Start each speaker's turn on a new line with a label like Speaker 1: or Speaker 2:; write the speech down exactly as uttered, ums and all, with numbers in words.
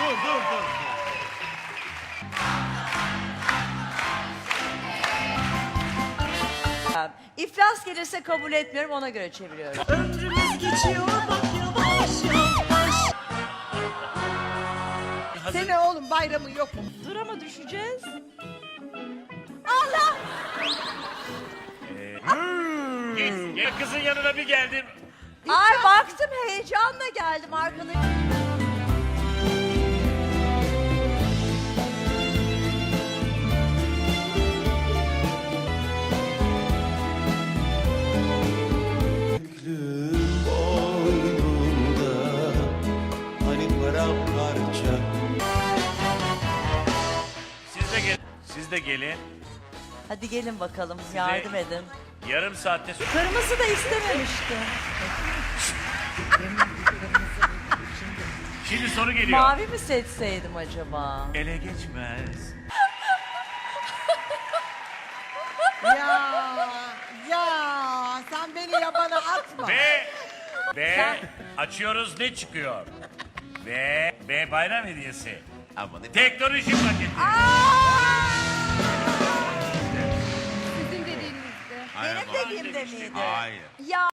Speaker 1: dur dur dur.
Speaker 2: İflas gelirse kabul etmiyorum, ona göre çeviriyorum.
Speaker 3: Ömrümüz geçiyor bak yavaş yavaş.
Speaker 4: Sene oğlum bayramın yok mu?
Speaker 2: Dur ama düşeceğiz.
Speaker 1: Gel, gel kızın yanına bir geldim.
Speaker 2: Ay baktım, heyecanla geldim arkadaşım.
Speaker 5: Boynunda hani paramparça.
Speaker 1: Siz de gel. Siz de gelin.
Speaker 2: Hadi gelin bakalım, yardım edin.
Speaker 1: Yarım saatte sonra.
Speaker 2: Kırmızı da istememişti.
Speaker 1: Şimdi soru geliyor.
Speaker 2: Mavi mi seçseydim acaba?
Speaker 1: Ele geçmez.
Speaker 4: Ya ya sen beni yabana atma.
Speaker 1: Ve ve
Speaker 2: Sen-
Speaker 1: açıyoruz, ne çıkıyor? Ve ve bayram hediyesi. Ama ne teknoloji paketi.
Speaker 6: Sizin dediğinizde.
Speaker 2: Benim dediğimde miydi?
Speaker 5: Hayır.
Speaker 2: Ya